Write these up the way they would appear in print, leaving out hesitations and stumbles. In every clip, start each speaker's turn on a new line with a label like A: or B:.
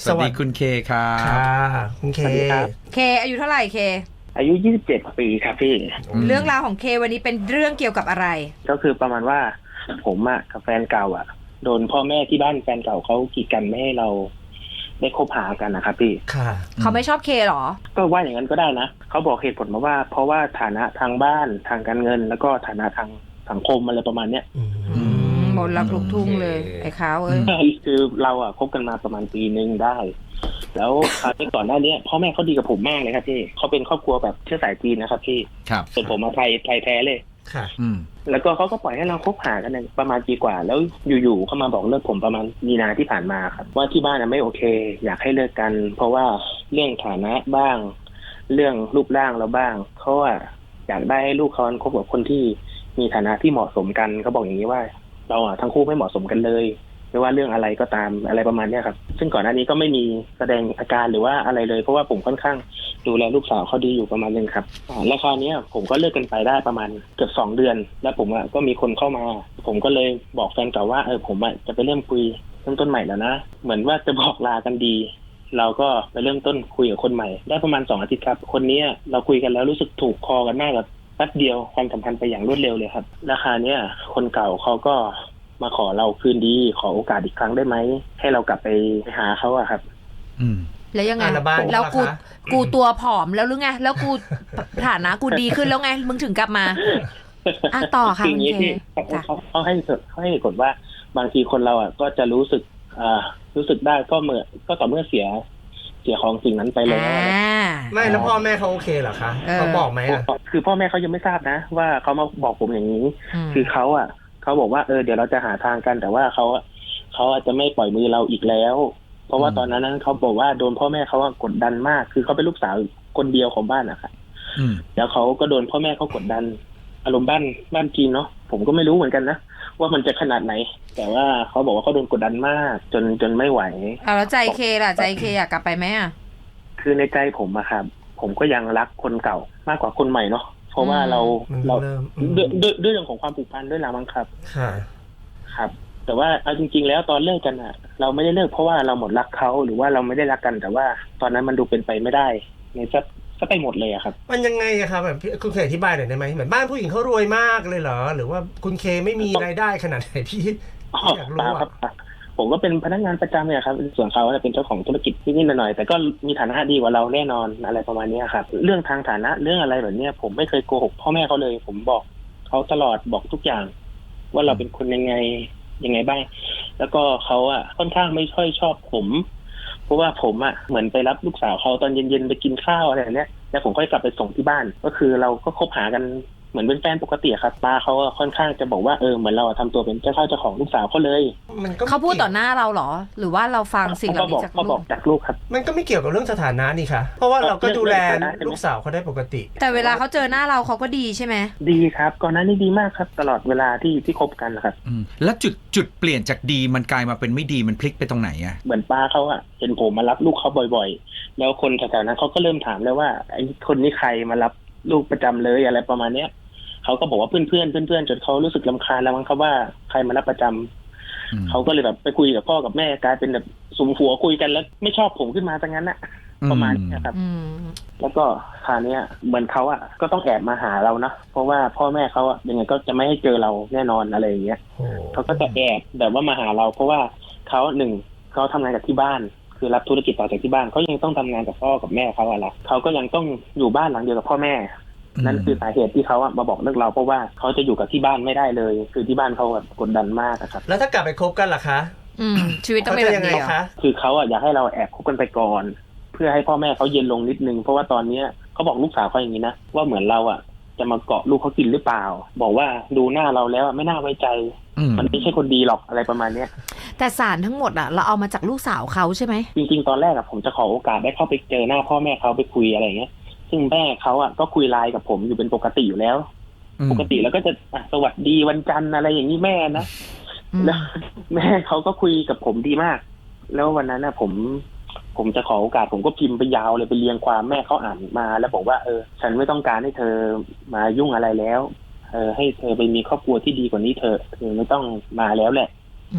A: สวัสดีคุณเคครับ
B: ค่ะคุณเค
C: เคอายุเท่าไหร่เค
D: อายุ27 ปีครับพี่
C: เรื่องราวของเควันนี้เป็นเรื่องเกี่ยวกับอะไร
D: ก็คือประมาณว่าผมกับแฟนเก่าโดนพ่อแม่ที่บ้านแฟนเก่าเขากีดกันไม่ให้เราได้คบหากันนะครับพี่
B: ค่ะ
C: เขาไม่ชอบเคหรอ
D: ก็ว่าอย่างนั้นก็ได้นะเขาบอกเหตุผลมาว่าเพราะว่าฐานะทางบ้านทางการเงินแล้วก็ฐานะทางสังคมอะไรประมาณเนี้ย
C: หมดรักลูกทุ่งเลยไอ้เขา
D: คือเราคบกันมาประมาณปีนึงได้แล้วก่อนหน้านี้พ่อแม่เขาดีกับผมมากเลยครับพี่เขาเป็นครอบครัวแบบเชื้อสายจีนนะครับพี่
A: ครับ
D: ส่วนผมไทยแท้เลย
B: ค่ะ
D: แล้วก็เขาก็ปล่อยให้เราคบหากันประมาณปีกว่าแล้วอยู่ๆเขามาบอกเลิกผมประมาณมีนาที่ผ่านมาครับว่าที่บ้านไม่โอเคอยากให้เลิกกันเพราะว่าเรื่องฐานะบ้างเรื่องรูปร่างเราบ้างเขาอยากได้ให้ลูกเขาคบกับคนที่มีฐานะที่เหมาะสมกันเขาบอกอย่างนี้ว่าเราทั้งคู่ไม่เหมาะสมกันเลยไม่ว่าเรื่องอะไรก็ตามอะไรประมาณนี้ครับซึ่งก่อนหน้านี้ก็ไม่มีแสดงอาการหรือว่าอะไรเลยเพราะว่าผมค่อนข้างดูแลลูกสาวเขาดีอยู่ประมาณนึงครับแล้วคราวนี้ผมก็เลิกกันไปได้ประมาณเกือบ2 เดือนแล้วผมก็มีคนเข้ามาผมก็เลยบอกแฟนเก่าว่าผมจะไปเริ่มคุยเริ่มต้นใหม่แล้วนะเหมือนว่าจะบอกลากันดีเราก็ไปเริ่มต้นคุยกับคนใหม่ได้ประมาณ2 อาทิตย์ครับคนนี้เราคุยกันแล้วรู้สึกถูกคอกันมากแบบแป๊บเดียวความสัมพันธ์ไปอย่างรวดเร็วเลยครับราคาเนี้ยคนเก่าเขาก็มาขอเราคืนดีขอโอกาสอีกครั้งได้ไหมให้เรากลับไปหาเขาครับ
C: แล้วยังไงแล้วกูตัวผอมแล้วหรือไงแล้วกูฐานะกูดีขึ้นแล้วไงมึงถึงกลับมาต่อค่ะ
D: คุณเคเขาให้เหตุผลว่าบางทีคนเราก็จะรู้สึกได้ก็ต่อเมื่อเสียของสิ่งนั้นไปแล้ว
B: ไม่แล้วพ่อแม่เขาโอเคเหรอคะเขาบอกไหม
D: คือพ่อแม่เขายังไม่ทราบนะว่าเขามาบอกผมอย่างนี้คือเขาบอกว่าเดี๋ยวเราจะหาทางกันแต่ว่าเขาอาจจะไม่ปล่อยมือเราอีกแล้วเพราะว่าตอนนั้นเขาบอกว่าโดนพ่อแม่เขากดดันมากคือเขาเป็นลูกสาวคนเดียวของบ้านนะครับแล้วเขาก็โดนพ่อแม่เขากดดันอารมณ์บ้านจีนเนาะผมก็ไม่รู้เหมือนกันนะว่ามันจะขนาดไหนแต่ว่าเขาบอกว่าเขาโดนกดดันมากจนไม่ไหว
C: แล้วใจเคล่ะใจเคอยากกลับไปไหม
D: คือในใจผมครับผมก็ยังรักคนเก่ามากกว่าคนใหม่เนาะเพราะว่าเราด้วยเรื่องของความผูกพันด้วยละมั้งครับครับแต่ว่าเอาจริงๆแล้วตอนเลิกกันเราไม่ได้เลิกเพราะว่าเราหมดรักเขาหรือว่าเราไม่ได้รักกันแต่ว่าตอนนั้นมันดูเป็นไปไม่ได้ในซะไปหมดเลยครับ
B: มันยังไงครับแบบคุณเคยอธิบายหน่อยได้ไหมเหมือนบ้านผู้หญิงเขารวยมากเลยเหรอหรือว่าคุณเคไม่มีรายได้ขนาดไหนพี่อยากรู้
D: ครับผมก็เป็นพนักงานประจำเนี่ยครับส่วนเขาเป็นเจ้าของธุรกิจนิดๆหน่อยๆแต่ก็มีฐานะดีกว่าเราแน่นอนอะไรประมาณนี้ครับเรื่องทางฐานะเรื่องอะไรแบบนี้ผมไม่เคยโกหกพ่อแม่เขาเลยผมบอกเขาตลอดบอกทุกอย่างว่าเราเป็นคนยังไงบ้างแล้วก็เขาค่อนข้างไม่ค่อยชอบผมเพราะว่าผมเหมือนไปรับลูกสาวเขาตอนเย็นๆไปกินข้าวอะไรแบบนี้แล้วผมค่อยกลับไปส่งที่บ้านก็คือเราก็คบหากันเหมือนเป็นแฟนปกติครับป้าเขาค่อนข้างจะบอกว่าเหมือนเราทำตัวเป็นเจ้าของลูกสาวเขาเลย
C: เขาพูดต่อหน้าเราเหรอหรือว่าเราฟังสิ่งเหล่านี้จาก
D: ลูกครับ
B: มันก็ไม่เกี่ยวกับเรื่องสถานะนี่ค่ะเพราะว่าเราก็ดูแลลูกสาวเขาได้ปกติ
C: แต่เวลาเขาเจอหน้าเราเขาก็ดีใช่ไหม
D: ดีครับก่อนหน้านี้ดีมากครับตลอดเวลาที่คบกันครับ
A: แล้วจุดเปลี่ยนจากดีมันกลายมาเป็นไม่ดีมันพลิกไปตรงไหน
D: เหมือนป้าเขาเห็นผมมารับลูกเขาบ่อยๆแล้วคนแถวๆนั้นเขาก็เริ่มถามแล้วว่าไอ้คนนี้ใครมารับลูกประจำเลยอะไรประมาณเนี้ยเขาก็บอกว่าเพื่อนจนเขารู้สึกรำคาญแล้วมั้งครับว่าใครมารับประจำเขาก็เลยแบบไปคุยกับพ่อกับแม่กลายเป็นแบบสุมหัวคุยกันแล้วไม่ชอบผมขึ้นมาซะงั้นประมาณนี้ครับแล้วก็คราวนี้เหมือนเขาก็ต้องแอบมาหาเรานะเพราะว่าพ่อแม่เขายังไงก็จะไม่ให้เจอเราแน่นอนอะไรอย่างเงี้ยเขาก็จะแอบแบบว่ามาหาเราเพราะว่าเขาเขาทำงานกับที่บ้านคือรับธุรกิจต่อจากที่บ้านเขายังต้องทำงานกับพ่อกับแม่เขาเขาก็ยังต้องอยู่บ้านหลังเดียวกับพ่อแม่นั่นคือสาเหตุที่เขามาบอกเลิกเราเพราะว่าเขาจะอยู่กับที่บ้านไม่ได้เลยคือที่บ้านเขากดดันมากครับ
B: แล้วถ้ากลับไปคบกันล่ะคะ
C: ชีวิตต้องเป็นยังไง
B: คะ
D: คือเขาอยากให้เราแอบคบกันไปก่อนเพื่อให้พ่อแม่เขาเย็นลงนิดนึงเพราะว่าตอนนี้เขาบอกลูกสาวเขาอย่างนี้นะว่าเหมือนเราจะมาเกาะลูกเขากินหรือเปล่าบอกว่าดูหน้าเราแล้วไม่น่าไว้ใจมันไม่ใช่คนดีหรอกอะไรประมาณนี้
C: แต่สารทั้งหมดเราเอามาจากลูกสาวเขาใช่ไหม
D: จริงๆตอนแรกผมจะขอโอกาสได้เข้าไปเจอหน้าพ่อแม่เขาไปคุยอะไรอย่างเงี้ยซึ่งแม่เขาก็คุยไลน์กับผมอยู่เป็นปกติอยู่แล้วปกติแล้วก็จะสวัสดีวันจันทร์อะไรอย่างนี้แม่นะแล้วแม่เขาก็คุยกับผมดีมากแล้ววันนั้นผมจะขอโอกาสผมก็พิมพ์ไปยาวเลยไปเรียงความแม่เขาอ่านมาแล้วบอกว่าฉันไม่ต้องการให้เธอมายุ่งอะไรแล้วให้เธอไปมีครอบครัวที่ดีกว่านี้เธอไม่ต้องมาแล้วแหละ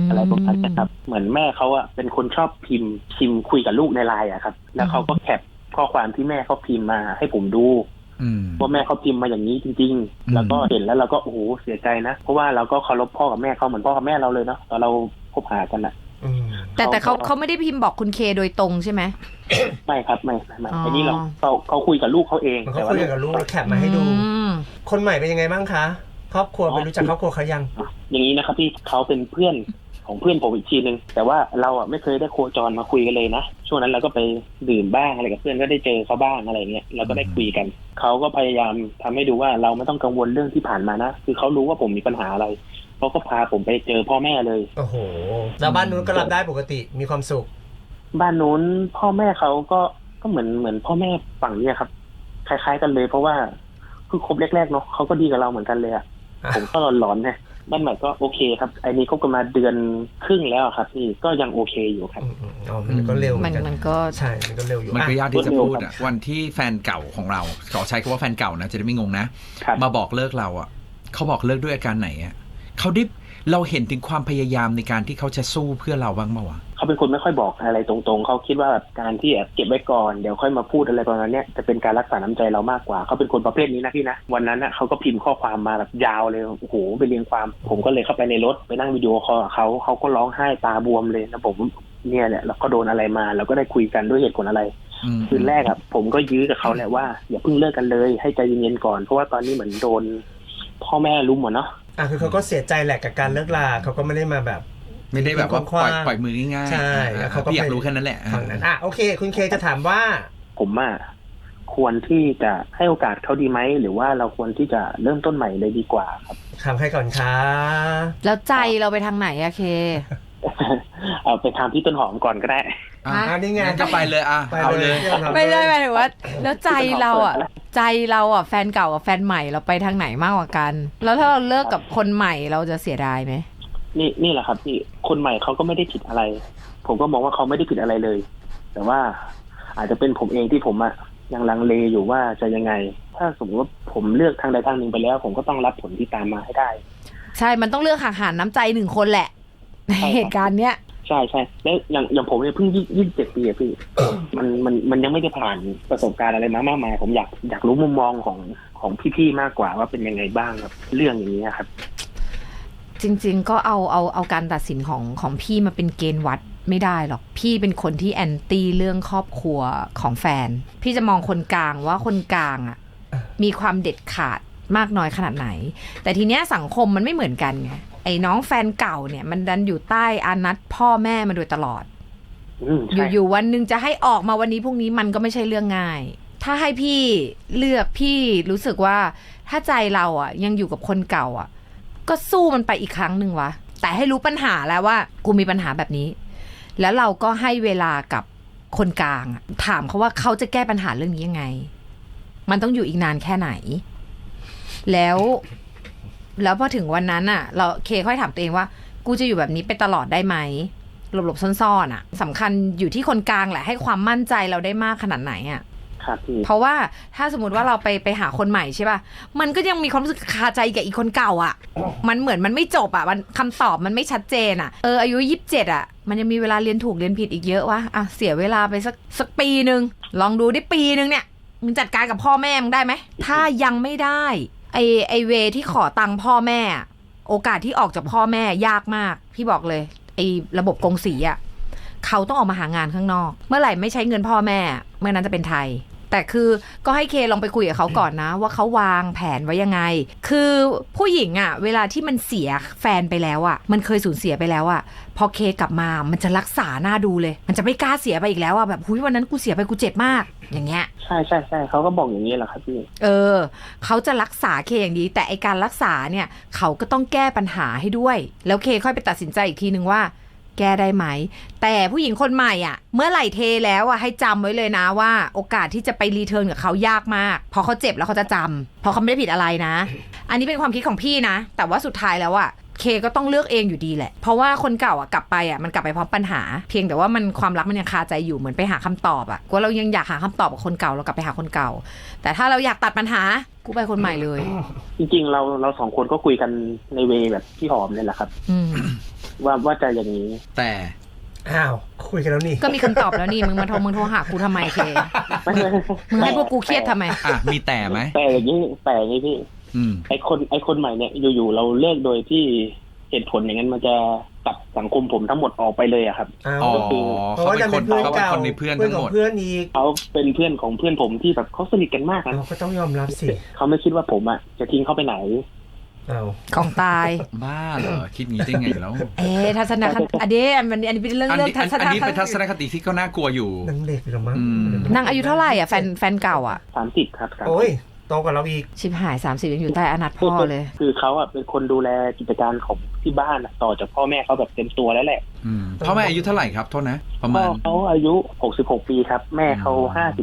D: อะไรประมาณนี้ครับเหมือนแม่เขาอะเป็นคนชอบพิมพ์คุยกับลูกในไลน์อะครับแล้วเขาก็แคปข้อความที่แม่เขาพิมพ์มาให้ผมดูว่าแม่เขาพิมพ์มาอย่างนี้จริงๆแล้วก็เห็นแล้วเราก็โอ้โหเสียใจนะเพราะว่าเราก็เคารพพ่อกับแม่เขาเหมือนพ่อกับแม่เราเลยเนาะตอนเราคบหากันอะ
C: แต่เขาไม่ได้พิมพ์บอกคุณเคโดยตรงใช่ไหม
D: ไม่ครับไม่อันนี้เขาคุยกับลูกเขาเอง
B: เขาคุยกับลูกแล้วแคปมาให้ดูคนใหม่เป็นยังไงบ้างคะครอบครัวไปรู้จักครอบครัวเขายัง
D: อย่างนี้นะครับที่เขาเป็นเพื่อนของเพื่อนผมอีกทีนึงแต่ว่าเราอ่ะไม่เคยได้โคจรมาคุยกันเลยนะช่วงนั้นเราก็ไปดื่มบ้างอะไรกับเพื่อนก็ได้เจอเขาบ้างอะไรเงี้ยเราก็ได้คุยกันเขาก็พยายามทำให้ดูว่าเราไม่ต้องกังวลเรื่องที่ผ่านมานะคือเขารู้ว่าผมมีปัญหาอะไรเขาก็พาผมไปเจอพ่อแม่เลย
B: โอ้โหแล้วบ้านนู้นก็รับได้ปกติมีความสุข
D: บ้านนู้นพ่อแม่เขาก็เหมือนพ่อแม่ฝั่งนี้ครับคล้ายๆกันเลยเพราะว่าคือคบแรกๆเนาะเขาก็ดีกับเราเหมือนกันเลยอ่ะผมก็หลอนๆนะบ้านใหม่ก็โอเคครับไอ้นี้คบกันมาเดือนครึ่งแล้วครับพี่ก็ยังโอเคอยู่ครับ
B: มันก็เร็ว
C: มันก็
B: ใช่มันก็เร็วอยู่
A: มันก็ยากที่จะพูดอ่ะวันที่แฟนเก่าของเราขอใช้คำว่าแฟนเก่านะจะได้ไม่งงนะมาบอกเลิกเราอ่ะเขาบอกเลิกด้วยอาการไหนอ่ะเขาได้เราเห็นถึงความพยายามในการที่เขาจะสู้เพื่อเราบ้างเปล่าวะ
D: เขาเป็นคนไม่ค่อยบอกอะไรตรงๆเขาคิดว่าแบบการที่เก็บไว้ก่อนเดี๋ยวค่อยมาพูดอะไรประมาณนี้จะเป็นการรักษาน้ำใจเรามากกว่าเขาเป็นคนประเภทนี้นะพี่นะวันนั้นนะเขาก็พิมพ์ข้อความมาแบบยาวเลยโอ้โหไปเรียงความผมก็เลยเข้าไปในรถไปนั่งวิดีโอคอลกับเขาก็ร้องไห้ตาบวมเลยนะผมเนี่ยแหละเราก็โดนอะไรมาเราก็ได้คุยกันด้วยเหตุผลอะไรคืนแรกผมก็ยื้อกับเขาแหละว่าอย่าเพิ่งเลิกกันเลยให้ใจเย็นๆก่อนเพราะว่าตอนนี้เหมือนโดนพ่อแม่รุมเนาะ
B: คือเขาก็เสียใจแหละกับการเลิกลาเขาก็ไม่ได้มาแบบ
A: ไม่ได้แบบว่าปล่อยมือง่าย
B: ๆใช่
A: เขาก็อยากรู้แค่นั้นแหละ
B: ฝั่งนั้นโอเคคุณเคจะถามว่า
D: ผมควรที่จะให้โอกาสเขาดีไหมหรือว่าเราควรที่จะเริ่มต้นใหม่เลยดีกว่าครับ
B: ถามใครก่อนคะ
C: แล้วใจเราไปทางไหนอะเค
D: เอาไปทางพี่ต้นหอมก่อนก็ได้
B: นี่ไง
A: ก็ไปเลยเอาเลย
C: ไม่ได้หมายถึงว่าแล้วใจเราอะแฟนเก่ากับแฟนใหม่เราไปทางไหนมากกว่ากันแล้วถ้าเราเลิกกับคนใหม่เราจะเสียดายไหม
D: นี่แหละครับพี่คนใหม่เขาก็ไม่ได้ผิดอะไรผมก็มองว่าเขาไม่ได้ผิดอะไรเลยแต่ว่าอาจจะเป็นผมเองที่ผมยังลังเลอยู่ว่าจะยังไงถ้าสมมติว่าผมเลือกทางใดทางหนึ่งไปแล้วผมก็ต้องรับผลที่ตามมาให้ได้
C: ใช่มันต้องเลือกหารน้ำใจหนึ่งคนแหละในเหตุการณ์เนี้ย
D: ใช่แล้วอย่างผมเนี่ยเพิ่ง27 ปีอะพี่ มันยังไม่ได้ผ่านประสบการณ์อะไรมามากมายผมอยากรู้มุมมองของพี่ๆมากกว่าว่าเป็นยังไงบ้างครับเรื่องอย่างนี้ครับ
C: จริงๆก็เอาการตัดสินของพี่มาเป็นเกณฑ์วัดไม่ได้หรอกพี่เป็นคนที่แอนตี้เรื่องครอบครัวของแฟนพี่จะมองคนกลางว่าคนกลางอ่ะมีความเด็ดขาดมากน้อยขนาดไหนแต่ทีเนี้ยสังคมมันไม่เหมือนกันไงไอ้น้องแฟนเก่าเนี่ยมันดันอยู่ใต้อานัตพ่อแม่มาโดยตลอดอยู่วันนึงจะให้ออกมาวันนี้พรุ่งนี้มันก็ไม่ใช่เรื่องง่ายถ้าให้พี่เลือกพี่รู้สึกว่าถ้าใจเราอ่ะยังอยู่กับคนเก่าอ่ะก็สู้มันไปอีกครั้งหนึ่งวะแต่ให้รู้ปัญหาแล้วว่ากูมีปัญหาแบบนี้แล้วเราก็ให้เวลากับคนกลางถามเขาว่าเขาจะแก้ปัญหาเรื่องนี้ยังไงมันต้องอยู่อีกนานแค่ไหนแล้วพอถึงวันนั้นอ่ะเราเคค่อยถามตัวเองว่ากูจะอยู่แบบนี้ไปตลอดได้ไหมหลบซ่อนๆอ่ะสำคัญอยู่ที่คนกลางแหละให้ความมั่นใจเราได้มากขนาดไหนอ่ะเพราะว่าถ้าสมมติว่าเราไปหาคนใหม่ใช่ป่ะมันก็ยังมีความรู้สึกคาใจกับอีกคนเก่าอ่ะมันเหมือนมันไม่จบอ่ะมันคำตอบมันไม่ชัดเจนอ่ะอายุ27อ่ะมันยังมีเวลาเรียนถูกเรียนผิดอีกเยอะวะเสียเวลาไปสักปีนึงลองดูได้ปีนึงเนี่ยมึงจัดการกับพ่อแม่มึงได้ไหมถ้ายังไม่ได้ไอเวที่ขอตังค์พ่อแม่โอกาสที่ออกจากพ่อแม่ยากมากพี่บอกเลยไอระบบกงสีอ่ะเขาต้องออกมาหางานข้างนอกเมื่อไหร่ไม่ใช้เงินพ่อแม่เมื่อนั้นจะเป็นไทยแต่คือก็ให้เคลองไปคุยกับเขาก่อนนะว่าเขาวางแผนไว้ยังไงคือผู้หญิงอ่ะเวลาที่มันเสียแฟนไปแล้วอ่ะมันเคยสูญเสียไปแล้วอ่ะพอเคกลับมามันจะรักษาหน้าดูเลยมันจะไม่กล้าเสียไปอีกแล้วอ่ะแบบวันนั้นกูเสียไปกูเจ็บมากอย่างเงี้ย
D: ใช่เขาก็บอกอย่างนี้แหละครับพี่
C: เขาจะรักษาเคอย่างดีแต่ไอการรักษาเนี่ยเขาก็ต้องแก้ปัญหาให้ด้วยแล้วเคค่อยไปตัดสินใจอีกทีนึงว่าแก้ได้ไหมแต่ผู้หญิงคนใหม่อ่ะเมื่อไหร่เทแล้วอ่ะให้จำไว้เลยนะว่าโอกาสที่จะไปรีเทิร์นกับเขายากมากพอเขาเจ็บแล้วเขาจะจำเพราะเขาไม่ได้ผิดอะไรนะอันนี้เป็นความคิดของพี่นะแต่ว่าสุดท้ายแล้วอ่ะเคก็ต้องเลือกเองอยู่ดีแหละเพราะว่าคนเก่าอ่ะกลับไปอ่ะมันกลับไปพร้อมปัญหาเพียงแต่ว่ามันความรักมันยังคาใจอยู่เหมือนไปหาคำตอบอ่ะว่าเรายังอยากหาคำตอบกับคนเก่าเรากลับไปหาคนเก่าแต่ถ้าเราอยากตัดปัญหากูไปคนใหม่เลย
D: จริงๆเรา2 คนก็คุยกันในเวแบบพี่หอมเนี่ยแหละครับว่าจะอย่างนี้
A: แต่
B: อ้าวคุยกันแล้วนี่
C: ก็มีคำตอบแล้วนี่มึงโทรหากูทำไมเคมึงให้พวกกูเครียดทำไม
A: อ่ะมีแต่ไหม
D: แต่อย่างนี้พี่
A: อืม
D: ไอคนใหม่เนี่ยอยู่ๆเราเลิกโดยที่เหตุผลอย่างนั้นมันจะตัดสังคมผมทั้งหมดออกไปเลยอะครับ
B: อ้าว
A: อ๋อ
B: เพราะว่าจะเป็นเพื่อน
A: เขาเป็น
B: เก่า
A: คนในเพื่อน
B: เพื่อ
A: ทั้
B: น
A: ง
B: ข
A: ห
B: อ
A: ม
B: ง
A: ด
B: เพื่อนอีก
D: เขาเป็นเพื่อนของเพื่อนผมที่แบบเขาสนิทกันมากนะ
B: เราก็ต้องยอมรับสิ
D: เขาไม่คิดว่าผมอะจะทิ้งเขาไปไหน
B: อ้าว
C: ของตาย
A: บ้าเหรอคิดงี้ได้ไงแล้ว
C: ทัศนคติอันนี้เป็นเรื่อง
A: อัน
C: เรื่อง
A: นี้
C: ทัศน
A: อัน
C: ค
A: นี้เป็นทัศ
C: ติ
A: นคติที่ก็น่ากลัวอยู่
B: นางเด็กเหรอมั้ง
A: อืม
C: นางอายุเท่าไหร่อ่ะแฟนเก่าอ่ะ
D: 30 ครับ
B: โอ้ยโตกว่าเราอีก
C: ชิบหาย30ยังอยู่ใต้อนาถพ่อเลย
D: คือเขาอะเป็นคนดูแลกิจการของที่บ้านอะต่อจากพ่อแม่เขาแบบเต็มตัวแล้วแหละ
A: พ่อแม่อายุเท่าไหร่ครับโทษนะ ประ
D: พ่
A: มา
D: อ
A: ณ
D: เขาอายุ66 ปีครับ แม่เขา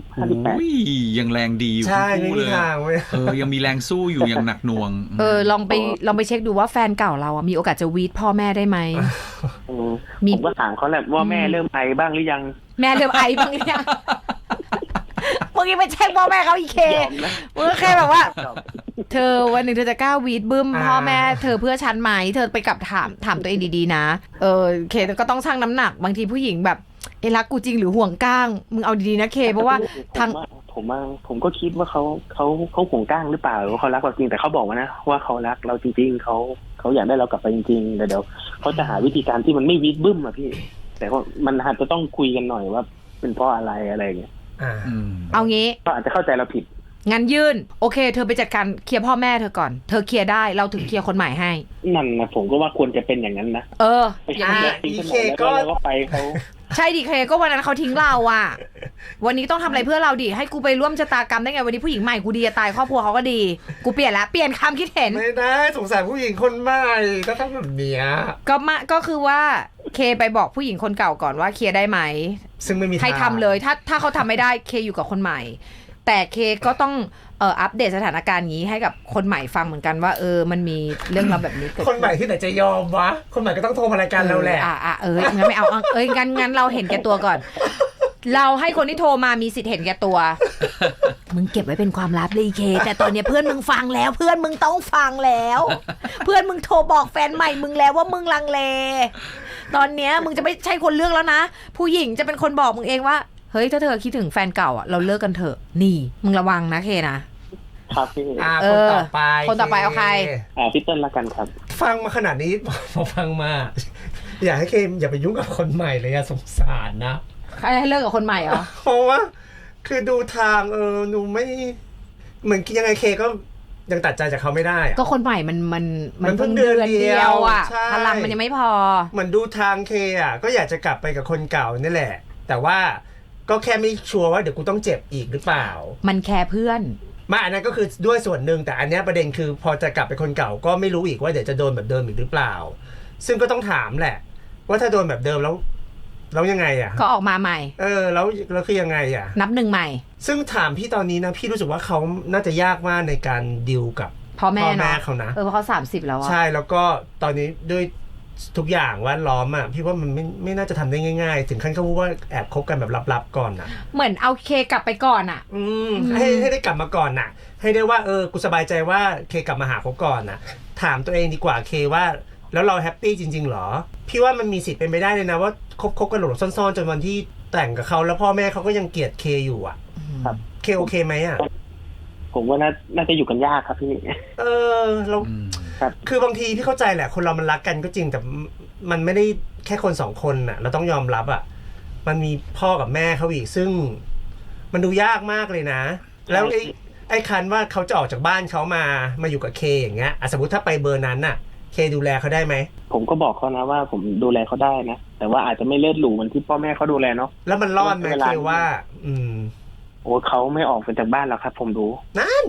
D: 58
A: อุ้ยยังแรงดีอยู่
B: ใช่
A: ทั้ง
B: ไม่
A: คู่
B: มี
A: เลย
B: ทางเว้ย
A: ยังมีแรงสู้อยู่อย่างหนักหน่วง
C: ลองไปเช็คดูว่าแฟนเก่าเราอ่ะมีโอกาสจะวีดพ่อแม่ได้ไหม มี
D: ผมก็ถามเขาแหละว่าแม่เริ่มไอบ้างหรือยัง
C: แม่เริ่มไอบ้างหรือยังมึงยังไปเช็คพ่อแม่เขาอีกเค
D: ยอมนะ
C: มึงก็แค่แบบว่า เธอวันหนึ่งเธอจะกล้าวีดบึ้มพ่อแม่เธอเพื่อฉันไหมเธอไปกลับถามตัวเองดีๆนะเคก็ต้องชั่งน้ำหนักบางทีผู้หญิงแบบรักกูจริงหรือห่วงก้างมึงเอาดีๆนะเคเพราะว่าทาง
D: ผมก็คิดว่าเขาห่วงก้างหรือเปล่าหรือว่าเขารักเราจริงแต่เขาบอกว่านะว่าเขารักเราจริงๆเขาอยากได้เรากลับไปจริงๆแต่เดี๋ยวเขาจะหาวิธีการที่มันไม่วิดบึ้มอะพี่แต่ว่ามันอาจจะต้องคุยกันหน่อยว่าเป็นเพราะอะไรอย่างเงี้ย
C: เอางี้
D: ก็อาจจะเข้าใจเราผิด
C: งั้นยื่นโอเคเธอไปจัดการเคลียร์พ่อแม่เธอก่อนเธอเคลียร์ได้เราถึงเคลียร์คนใหม่ให้
D: นั่นนะผมก็ว่าควรจะเป็นอย่างนั้นนะ
C: อย่างนี้
D: อีเคก็ไปเขา
C: ใช่ดิเคก็วันนั้นเขาทิ้งเราอ่ะวันนี้ต้องทำอะไรเพื่อเราดิให้กูไปร่วมชะตากรรมได้ไงวันนี้ผู้หญิงใหม่กูดีจะตายครอบครัวเขาก็ดีกูเปลี่ยนละเปลี่ยนความคิดเห็น
B: ไม่ได้สงสารผู้หญิงคนใหม่ก็ต้องแบบเนี้ย
C: ก็คือว่าเคไปบอกผู้หญิงคนเก่าก่อนว่าเคลียร์ได้ไหม
B: ซึ่งไม่มีทาง
C: ให้ทำเลยถ้าเขาทำไม่ได้เคอยู่กับคนใหม่ แต่เคก็ต้องอัปเดตสถานการณ์นี้ให้กับคนใหม่ฟังเหมือนกันว่ามันมีเรื่องราวแบบนี้เกิด
B: คนใหม่ที่ไหนจะยอมวะคนใหม่ก็ต้องโทรมารายการเราแหละ
C: งั้นไม่เอางั้นเราเห็นแก่ตัวก่อน เราให้คนที่โทรมามีสิทธิ์เห็นแก่ตัว มึงเก็บไว้เป็นความลับเลยเคแต่ตอนนี้เพื่อนมึงฟังแล้วเพื่อนมึงต้องฟังแล้ว เพื่อนมึงโทรบอกแฟนใหม่มึงแล้วว่ามึงลังเลตอนเนี้ยมึงจะไม่ใช่คนเลือกแล้วนะผู้หญิงจะเป็นคนบอกมึงเองว่าเฮ้ยถ้าเธอคิดถึงแฟนเก่าอ่ะเราเลิกกันเถอะนี่มึงระวังนะเคนะครับ
D: พี่
B: คนต่อไป
C: คนต่อไปเอาใคร
D: พี่เติ้ลละกันครับ
B: ฟังมาขนาดนี้ พอฟังมา อยากให้เคมอย่าไปยุ่งกับคนใหม่เลยอะสงสารนะ
C: ใครให้เลิกกับคนใหม่เหรอ
B: เพราะว่าคือดูทางหนูไม่เหมือนยังไงเคก็ยังตัดใจจากเขาไม่ได้อะ
C: ก็คนใหม่มัน
B: มันเพิ่งเดือนเดียว
C: อ่ะ
B: ใช่
C: พลังมันยังไม่พอ
B: เหมือนดูทางเคอ่ะก็อยากจะกลับไปกับคนเก่านี่แหละ แต่ว่าก็แค่ไม่ชัวร์ว่าเดี๋ยวกูต้องเจ็บอีกหรือเปล่า
C: มันแคร์เพื่อน
B: มาอันนั้นก็คือด้วยส่วนหนึ่งแต่อันเนี้ยประเด็นคือพอจะกลับไปคนเก่าก็ไม่รู้อีกว่าเดี๋ยวจะโดนแบบเดิมอีกหรือเปล่า ซึ่งก็ต้องถามแหละ ว่าถ้าโดนแบบเดิมแล้วยังไงอ่ะ
C: ก็ออกมาใหม่
B: แล้วคือยังไงอ่ะ
C: นับหนึ่งใหม่
B: ซึ่งถามพี่ตอนนี้นะพี่รู้สึกว่าเขาน่าจะยากมากในการดิวกับ
C: พ่อแม่
B: พ่อ
C: เนาะ
B: แม่เขานะ
C: เพราะเขา30แล้วอะ
B: ใช่แล้วก็ตอนนี้ด้วยทุกอย่างแวดล้อมอ่ะพี่ว่ามันไม่น่าจะทำได้ง่ายๆ ถึงขั้นเขาพูดว่าแอบคบกันแบบลับๆก่อนอ่ะ
C: เหมือนเอาเคกลับไปก่อนอะ
B: ให้ได้กลับมาก่อนน่ะ ให้ได้ว่ากูสบายใจว่าเคกลับมาหาเขาก่อนน่ะ ถามตัวเองดีกว่าเคว่าแล้วเราแฮปปี้จริงๆหรอพี่ว่ามันมีสิทธิ์เป็นไปได้เลยนะว่าคบกันหลบซ่อนๆจนวันที่แต่งกับเขาแล้วพ่อแม่เขาก็ยังเกลียดเคอยู่อ่ะ
D: ครับ
B: เคโอเคไหมอ่ะ
D: ผมว่าน่าจะอยู่กันยากครับพี่
B: เรา
D: ครับ
B: คือบางทีพี่เข้าใจแหละคนเรามันรักกันก็จริงแต่มันไม่ได้แค่คนสองคนน่ะเราต้องยอมรับอ่ะมันมีพ่อกับแม่เขาอีกซึ่งมันดูยากมากเลยนะ แล้วไอ้คันว่าเขาจะออกจากบ้านเขามาอยู่กับเคอย่างเงี้ยสมมติถ้าไปเบอร์นั้นน่ะเคดูแลเขาได้ไหม
D: ผมก็บอกเขานะว่าผมดูแลเขาได้นะแต่ว่าอาจจะไม่เลือดหรูเหมือนที่พ่อแม่เขาดูแลเนาะ
B: แล้วมันรอดไหมเคว่า
D: โอ้เขาไม่ออกไปจากบ้านแล้วครับ ผมดู
B: นั่น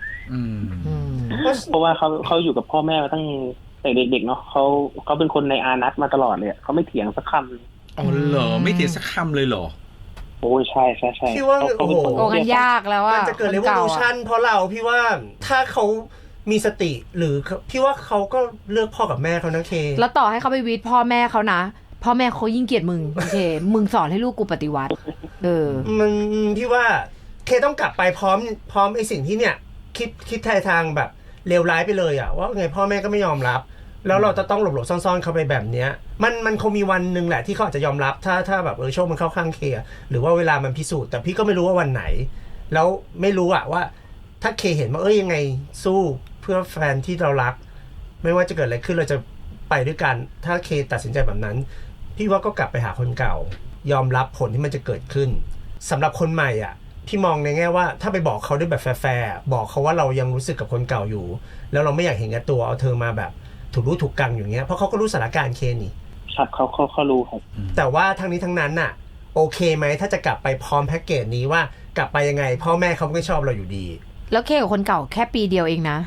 D: เพราะว่าเขาอยู่กับพ่อแม่มาตั้งแต่เด็กๆเนาะเขาเป็นคนในอานัตมาตลอดเลยเขาไม่เถียงสักคำ
A: อ๋อเหรอไม่เถียงสักคำเลยเหรอ
D: โอ้ยใช่
B: พี่ว่า
D: เขาเป็นคน
C: โอ้กันยากแล้ว
B: มัน
C: อะ
B: จะเกิดเรวอลูชั่นเพราะเราพี่ว่าถ้าเขามีสติหรือพี่ว่าเขาก็เลือกพ่อกับแม่เขานะเค
C: แล้วต่อให้เขาไปวีดพ่อแม่เขานะพ่อแม่เขายิ่งเกลียดมึงโอเคมึงสอนให้ลูกกูปฏิวัติ
B: มันพี่ว่าเคต้องกลับไปพร้อมไอ้สิ่งที่เนี่ยคิดทางแบบเลวร้ายไปเลยอะว่าไงพ่อแม่ก็ไม่ยอมรับแล้วเราจะต้องหลบๆซ่อนๆเข้าไปแบบเนี้ยมันคงมีวันหนึ่งแหละที่เขาอาจจะยอมรับถ้าแบบโชคมันเข้าข้างเคหรือว่าเวลามันพิสูจน์แต่พี่ก็ไม่รู้ว่าวันไหนแล้วไม่รู้อะว่าถ้าเคเห็นว่ายังไงสู้เพื่อแฟนที่เรารักไม่ว่าจะเกิดอะไรขึ้นเราจะไปด้วยกันถ้าเคตัดสินใจแบบนั้นพี่ว่าก็กลับไปหาคนเก่ายอมรับผลที่มันจะเกิดขึ้นสำหรับคนใหม่อ่ะพี่มองในแง่ว่าถ้าไปบอกเขาด้วยแบบแฟร์ๆบอกเขาว่าเรายังรู้สึกกับคนเก่าอยู่แล้วเราไม่อยากเห็นแก่ตัวเอาเธอมาแบบถูกรู้ถูกกังอย่างเงี้ยเพราะเขาก็รู้สถานการณ์เคนี่
D: ครับเขารู้ครับ
B: แต่ว่าทั้งนี้ทั้งนั้นน่ะโอเคไหมถ้าจะกลับไปพร้อมแพ็กเกจนี้ว่ากลับไปยังไงพ่อแม่เขาไม่ชอบเราอยู่ดี
C: แล้วเคกับคนเก่าแค่ปีเดียวเองนะ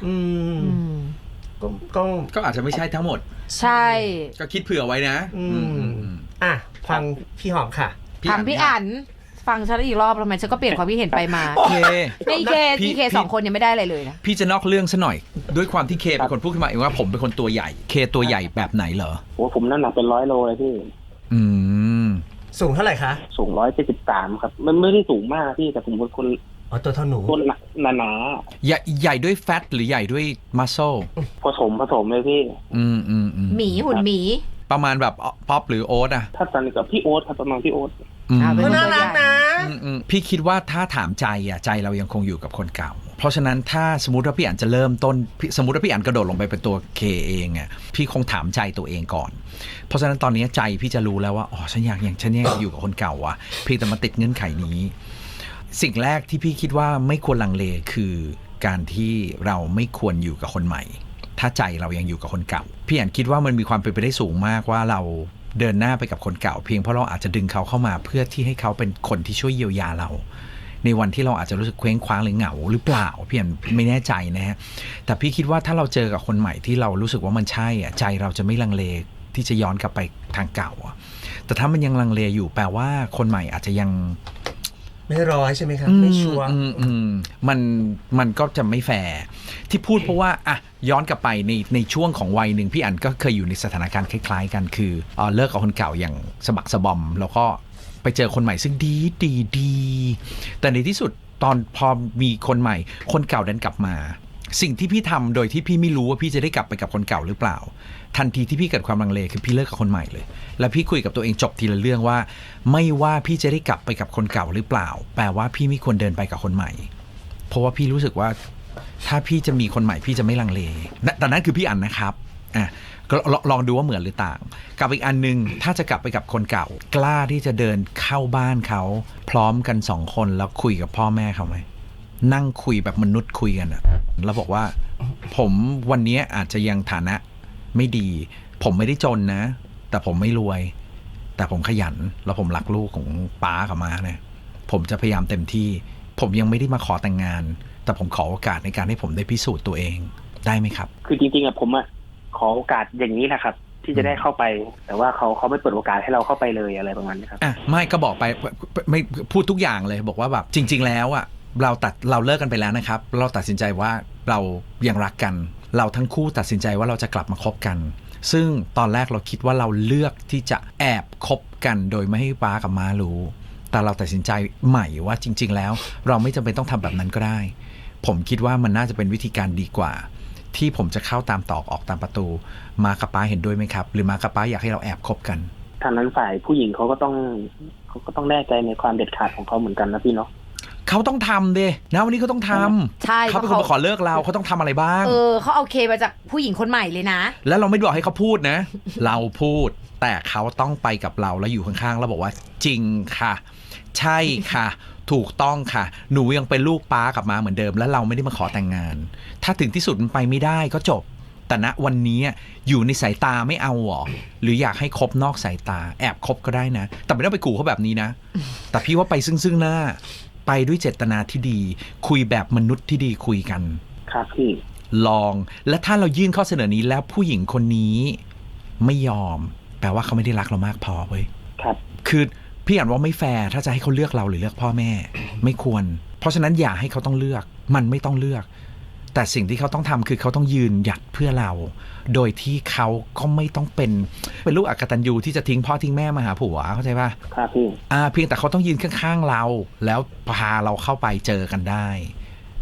B: ก็
A: อาจจะไม่ใช่ทั้งหมด
C: ใช่
A: ก็คิดเผื่อไว้นะ
B: อ่ะฟังพี่หอมค่ะ
C: ฟังพี่อั๋นฟังฉันอีกรอบทำไมฉันก็เปลี่ยนความคิดเห็นไปมาพี่เคสองคนยังไม่ได้อะไรเลยนะ
A: พี่จะนอกเรื่องซะหน่อยด้วยความที่เคเป็นคนพูดขึ้นมาเองว่าผมเป็นคนตัวใหญ่เคตัวใหญ่แบบไหนเหรอ
D: โอ้ผมน้ำหนักเป็น100 โลเลยพี่
B: สูงเท่าไหร่คะ
D: สูง173ครับมันไม่ได้สูงมากพี่แต่ผมเป็นคน
B: ตัวเท่าหนู
D: คนหนา
A: ใหญ่ด้วยแฟตหรือใหญ่ด้วยมัสโซ
D: ผสมเลยพี่
C: หมีหุ่นหมี
A: ประมาณแบบป๊อปหรือโอ๊ต
D: ถ้าตอนนี้กับพี่โอ๊ตครับประมาณพี่โอ๊ต
B: ก็น่ารักนะ
A: พี่คิดว่าถ้าถามใจใจเรายังคงอยู่กับคนเก่าเพราะฉะนั้นถ้าสมมติว่าพี่อั๋นจะเริ่มต้นสมมติว่าพี่อั๋นกระโดดลงไปเป็นตัวเคเองพี่คงถามใจตัวเองก่อนเพราะฉะนั้นตอนนี้ใจพี่จะรู้แล้วว่าฉันอยากอยู่กับคนเก่าเพียงแต่มาติดเงื่อนไขนี้สิ่งแรกที่พี่คิดว่าไม่ควรลังเลคือการที่เราไม่ควรอยู่กับคนใหม่ถ้าใจเรายังอยู่กับคนเก่าพี่อั๋นคิดว่ามันมีความเป็นไปได้สูงมากว่าเราเดินหน้าไปกับคนเก่าเพียงเพราะเราอาจจะดึงเขาเข้ามาเพื่อที่ให้เขาเป็นคนที่ช่วยเยียวยาเราในวันที่เราอาจจะรู้สึกเคว้งคว้างหรือเหงาหรือเปล่าพี่อั๋นไม่แน่ใจนะฮะแต่พี่คิดว่าถ้าเราเจอกับคนใหม่ที่เรารู้สึกว่ามันใช่ใจเราจะไม่ลังเลที่จะย้อนกลับไปทางเก่าแต่ถ้ามันยังลังเลอยู่แปลว่าคนใหม่อาจจะยัง
B: ไม่ร้อยใช่ไหมครับไม่ชัวร์
A: มันก็จะไม่แฟร์ที่พูดเพราะว่าย้อนกลับไปในช่วงของวัยหนึ่งพี่อั๋นก็เคยอยู่ในสถานการณ์คล้ายๆกันคือเลิกกับคนเก่าอย่างสะบักสะบอมแล้วก็ไปเจอคนใหม่ซึ่งดีแต่ในที่สุดตอนพอมีคนใหม่คนเก่าดันกลับมาสิ่งที่พี่ทำโดยที่พี่ไม่รู้ว่าพี่จะได้กลับไปกับคนเก่าหรือเปล่าทันทีที่พี่เกิดความลังเลคือพี่เลิกกับคนใหม่เลยแล้วพี่คุยกับตัวเองจบทีละเรื่องว่าไม่ว่าพี่จะได้กลับไปกับคนเก่าหรือเปล่าแปลว่าพี่ไม่ควรเดินไปกับคนใหม่เพราะว่าพี่รู้สึกว่าถ้าพี่จะมีคนใหม่พี่จะไม่ลังเลแต่นั้นคือพี่อั๋นนะครับก็ลองดูว่าเหมือนหรือต่างกับอีกอันนึงถ้าจะกลับไปกับคนเก่ากล้าที่จะเดินเข้าบ้านเขาพร้อมกัน2 คนแล้วคุยกับพ่อแม่เขาไหมนั่งคุยแบบมนุษย์คุยกันแล้วบอกว่าผมวันนี้อาจจะยังฐานะไม่ดีผมไม่ได้จนนะแต่ผมไม่รวยแต่ผมขยันแล้วผมรักลูกของป้ากับม้าเนี่ยผมจะพยายามเต็มที่ผมยังไม่ได้มาขอแต่งงานแต่ผมขอโอกาสในการให้ผมได้พิสูจน์ตัวเองได้ไหมครับ
D: คือจริงๆผมขอโอกาสอย่างนี้แหละครับที่จะได้เข้าไปแต่ว่าเขาไม่เปิดโอกาสให้เราเข้าไปเลยอะไรประมาณนี้ครับ
A: ไม่ก็บอกไปไม่พูดทุกอย่างเลยบอกว่าแบบจริงๆแล้วเราเลิกกันไปแล้วนะครับเราตัดสินใจว่าเรายังรักกันเราทั้งคู่ตัดสินใจว่าเราจะกลับมาคบกันซึ่งตอนแรกเราคิดว่าเราเลือกที่จะแอบคบกันโดยไม่ให้ป้ากับม้ารู้แต่เราตัดสินใจใหม่ว่าจริงๆแล้วเราไม่จำเป็นต้องทำแบบนั้นก็ได้ผมคิดว่ามันน่าจะเป็นวิธีการดีกว่าที่ผมจะเข้าตามตอกออกตามประตูม้ากับป้าเห็นด้วยไหมครับหรือม้ากับป้าอยากให้เราแอบคบกัน
D: ทางนั้นฝ่ายผู้หญิงเขาก็ต้องแน่ใจในความเด็ดขาดของเขาเหมือนกันนะพี่เนาะ
A: เขาต้องทำดินะวันนี้เขาต้องทำ
C: ใช่
A: เขาเป็นคนมาขอเลิกเราเขาต้องทำอะไรบ้าง
C: เขาเอาเคมาจากผู้หญิงคนใหม่เลยนะ
A: แล้วเราไม่บอกให้เขาพูดนะ เราพูดแต่เขาต้องไปกับเราแล้วอยู่ข้างๆแล้วบอกว่าจริงค่ะใช่ค่ะถูกต้องค่ะหนูยังเป็นลูกป้ากับม้าเหมือนเดิมแล้วเราไม่ได้มาขอแต่งงานถ้าถึงที่สุดมันไปไม่ได้ก็จบแต่ณวันนี้อยู่ในสายตาไม่เอาหรอหรืออยากให้คบนอกสายตาแอบคบก็ได้นะแต่ไม่ต้องไปขู่เขาแบบนี้นะแต่พี่ว่าไปซึ่งหน้าไปด้วยเจตนาที่ดีคุยแบบมนุษย์ที่ดีคุยกัน
D: ครับพี่
A: ลองและถ้าเรายื่นข้อเสนอนี้แล้วผู้หญิงคนนี้ไม่ยอมแปลว่าเขาไม่ได้รักเรามากพอเว้ย
D: ครับ
A: คือพี่อ่านว่าไม่แฟร์ถ้าจะให้เขาเลือกเราหรือเลือกพ่อแม่ไม่ควรเพราะฉะนั้นอย่าให้เขาต้องเลือกมันไม่ต้องเลือกแต่สิ่งที่เขาต้องทำคือเขาต้องยืนหยัดเพื่อเราโดยที่เขาก็ไม่ต้องเป็นลูกอกตัญญูที่จะทิ้งพ่อทิ้งแม่มาหาผัวเข้าใจป่ะ
D: ครับพี่
A: เพียงแต่เขาต้องยืนข้างๆเราแล้วพาเราเข้าไปเจอกันได้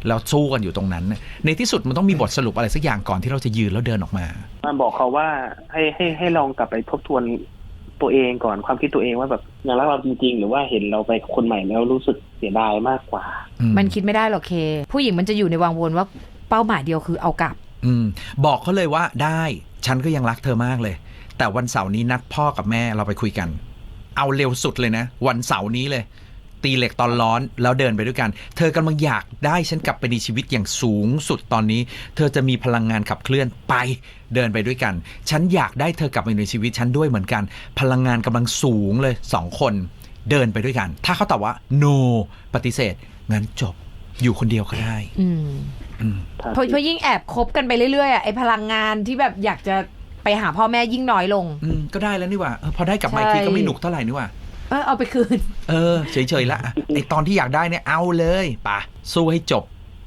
A: แล้วสู้กันอยู่ตรงนั้นในที่สุดมันต้องมีบทสรุปอะไรสักอย่างก่อนที่เราจะยืนแล้วเดินออกมา
D: บอกเขาว่าให้ลองกลับไปทบทวนตัวเองก่อนความคิดตัวเองว่าแบบยังรักเราจริงๆหรือว่าเห็นเราไปคนใหม่แล้วรู้สึกเสียดายมากกว่า
C: มันคิดไม่ได้หรอกเคผู้หญิงมันจะอยู่ในวังวนว่าเป้าหมายเดียวคือเอากลับ
A: บอกเขาเลยว่าได้ฉันก็ยังรักเธอมากเลยแต่วันเสาร์นี้นัดพ่อกับแม่เราไปคุยกันเอาเร็วสุดเลยนะวันเสาร์นี้เลยตีเหล็กตอนร้อนแล้วเดินไปด้วยกันเธอกำลังอยากได้ฉันกลับไปในชีวิตอย่างสูงสุดตอนนี้เธอจะมีพลังงานขับเคลื่อนไปเดินไปด้วยกันฉันอยากได้เธอกลับมาในชีวิตฉันด้วยเหมือนกันพลังงานกำลังสูงเลย2คนเดินไปด้วยกันถ้าเขาตอบว่า no ปฏิเสธงั้นจบอยู่คนเดียวก็ได้
C: เพราะยิ่งแอบคบกันไปเรื่อยๆไอ้พลังงานที่แบบอยากจะไปหาพ่อแม่ยิ่งน้อยลง
A: ก็ได้แล้วนี่ว่าพอได้กลับมาอีกทีก็ไม่หนุกเท่าไหร่นี่ว่า
C: เอาไปคืน
A: เฉยๆละไอตอนที่อยากได้เนี่ยเอาเลยป่ะสู้ให้จบ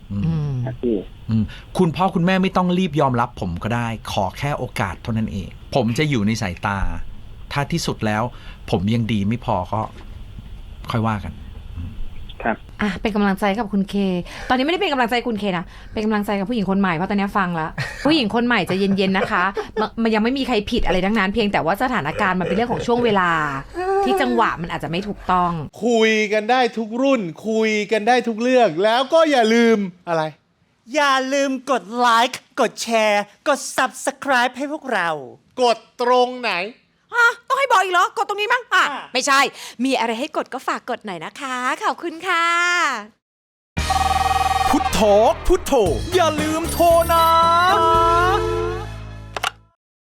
A: คุณพ่อคุณแม่ไม่ต้องรีบยอมรับผมก็ได้ขอแค่โอกาสเท่านั้นเองผมจะอยู่ในสายตาถ้าที่สุดแล้วผมยังดีไม่พอก็ค่อยว่ากัน
D: ครับ
C: เป็นกำลังใจกับคุณเคตอนนี้ไม่ได้เป็นกำลังใจคุณเคนะเป็นกำลังใจกับผู้หญิงคนใหม่เพราะตอนนี้ฟังแล้วผู้หญิงคนใหม่จะเย็นๆนะคะมันยังไม่มีใครผิดอะไรทั้งนั้นเพียงแต่ว่าสถานการณ์มันเป็นเรื่องของช่วงเวลาที่จังหวะมันอาจจะไม่ถูกต้อง
E: คุยกันได้ทุกรุ่นคุยกันได้ทุกเรื่องแล้วก็อย่าลืมอะไร
F: อย่าลืมกดไลค์กดแชร์กด Subscribe ให้พวกเรา
E: กดตรงไหน
F: ต้องให้บอกอีกเหรอกดตรงนี้มั้งไม่ใช่มีอะไรให้กดก็ฝากกดหน่อยนะคะขอบคุณค่ะ
G: พุทโธพุทโธอย่าลืมโทรนะ